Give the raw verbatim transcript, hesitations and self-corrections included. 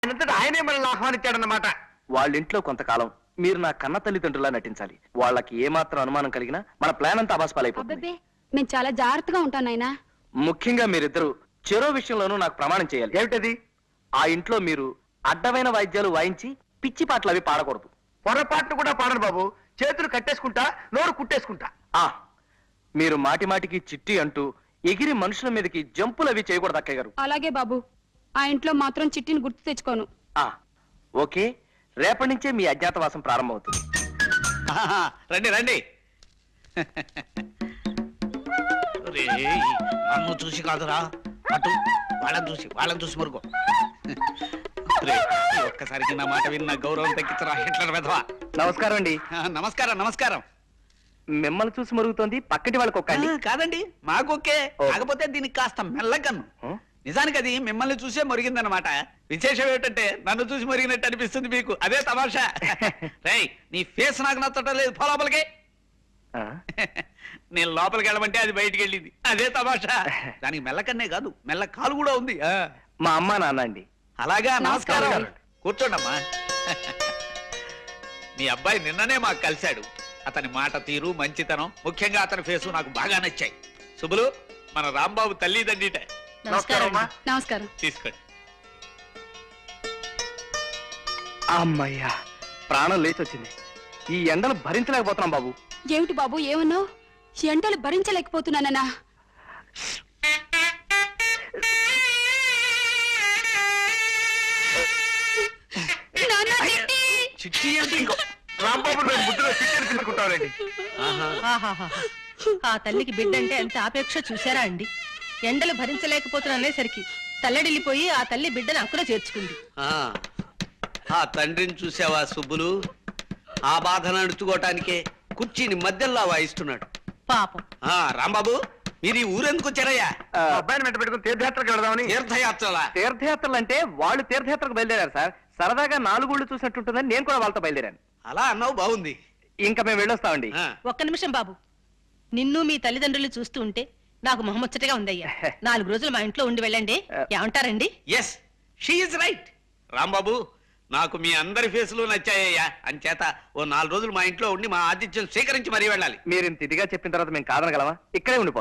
ఆయనంతటా ఆయనే మనల్ని ఆహ్వానించాడన్నమాట. వాళ్ళ ఇంట్లో కొంతకాలం మీరు నా కన్న తల్లిదండ్రులా నటించాలి. వాళ్ళకి ఏమాత్రం అనుమానం కలిగినా మన ప్లాన్ అంతా అబాస్పాలైపోతుంది. అబ్బబ్బే మేము చాలా జాగ్రత్తగా ఉంటాం నాయనా. ముఖ్యంగా మీరిద్దరు చెరో విషయంలోనూ నాకు ప్రమాణం చేయాలి. ఏమిటది? ఆ ఇంట్లో మీరు అడ్డమైన వాయిద్యాలు వాయించి పిచ్చి పాటలు అవి పాడకూడదు. పొరపాట్లు కూడా పాడను బాబు. చేతులు కట్టేసుకుంటా, నోరు కుట్టేసుకుంటా. ఆ మీరు మాటి మాటికి చిట్టి అంటూ ఎగిరి మనుషుల మీదకి జంపులు అవి చేయకూడదు అక్కయ్య గారు. అలాగే బాబు, ఆ ఇంట్లో మాత్రం చిట్టిని గుర్తు తెచ్చుకోను. ఆ ఓకే, రేపటి నుంచే మీ అజ్ఞాతవాసం ప్రారంభమవుతుంది. రండి రండి. రేయ్, నన్ను చూసి కాదురా, అటు వాళ్ళని చూసి వాళ్ళని చూసి మురుగు. ఒక్కసారికి నా మాట విన్న గౌరవం తగ్గించరా హిట్లర్ వెధవా. నమస్కారం అండి. నమస్కారం నమస్కారం. మిమ్మల్ని చూసి మరుగుతోంది, పక్కటి వాళ్ళకి ఒక్కండి. కాదండి, మాకొకే. కాకపోతే దీనికి కాస్త మెల్లగన్ను. నిజానికి అది మిమ్మల్ని చూసే మురిగిందనమాట. విశేషం ఏమిటంటే నన్ను చూసి మురిగినట్టు అనిపిస్తుంది మీకు. అదే తమాషా. రేయ్, నీ ఫేస్ నాకు నచ్చటం లేదు, పో లోపలికి. నేను లోపలికి వెళ్ళమంటే అది బయటికి వెళ్ళింది. అదే తమాషా. దానికి మెల్లకన్నే కాదు, మెల్ల కాలు కూడా ఉంది. మా అమ్మ నాన్న అండి. అలాగా, నమస్కారం. కూర్చోండమ్మా. మీ అబ్బాయి నిన్ననే మాకు కలిశాడు. అతని మాట తీరు, మంచితనం, ముఖ్యంగా అతని ఫేసు నాకు బాగా నచ్చాయి. శుభులు, మన రాంబాబు తల్లిదండ్రిట. నమస్కారం. నమస్కారం. తీసుకోండి. అమ్మయ్యా, ప్రాణం లేచి వచ్చింది. ఈ ఎండలు భరించలేకపోతున్నాం బాబు. ఏమిటి బాబు ఏమన్నావు? ఎండలు భరించలేకపోతున్నానన్నా? చిట్టి అంటే ఇంకో రాంబాబు నేను ముద్దులో చికెన్ తీసుకుంటానండి. ఆ తల్లికి బిడ్డంటే ఎంత ఆపేక్ష చూసారా అండి. ఎండలు భరించలేకపోతున్నసరికి తల్లడిల్లిపోయి ఆ తల్లి బిడ్డను అక్కున చేర్చుకుంది. ఆ తండ్రిని చూసావా సుబ్బులు? ఆ బాధను అణుచుకోవటానికే కుర్చీని మధ్యలో వాయిస్తున్నాడు పాపం. ఆ రాంబాబు, మీరు ఈ ఊరెందుకు వచ్చారయ్యా? ఆ, మా అబ్బాయిని వెంట పెట్టుకుని తీర్థయాత్రకు వెళదామని. తీర్థయాత్రలా? తీర్థయాత్రలు అంటే వాళ్ళు తీర్థయాత్రకు బయలుదేరారు సార్. సరదాగా నాలుగుళ్ళు చూసినట్టుంటుందని నేను కూడా వాళ్ళతో బయలుదేరాను. అలా అన్నావు, బాగుంది. ఇంకా మేము వెళ్ళొస్తామండి. ఆ, ఒక్క నిమిషం బాబు, నిన్ను మీ తల్లిదండ్రులు చూస్తూ ఉంటే నాకు మొహముచ్చటగా ఉందయ్యా. నాలుగు రోజులు మా ఇంట్లో ఉండి వెళ్ళండి. ఏమంటారండి? Yes, she is right. Rambabu, నాకు మీ అందరి ఫేసులు నచ్చాయ్యా. అంచేత ఓ నాలుగు రోజులు మా ఇంట్లో ఉండి మా ఆతిథ్యం స్వీకరించి మరీ వెళ్ళాలి. మీరు ఇంత ఇదిగా చెప్పిన తర్వాత మేము కాదనగలమా? ఇక్కడే ఉండిపోతాం.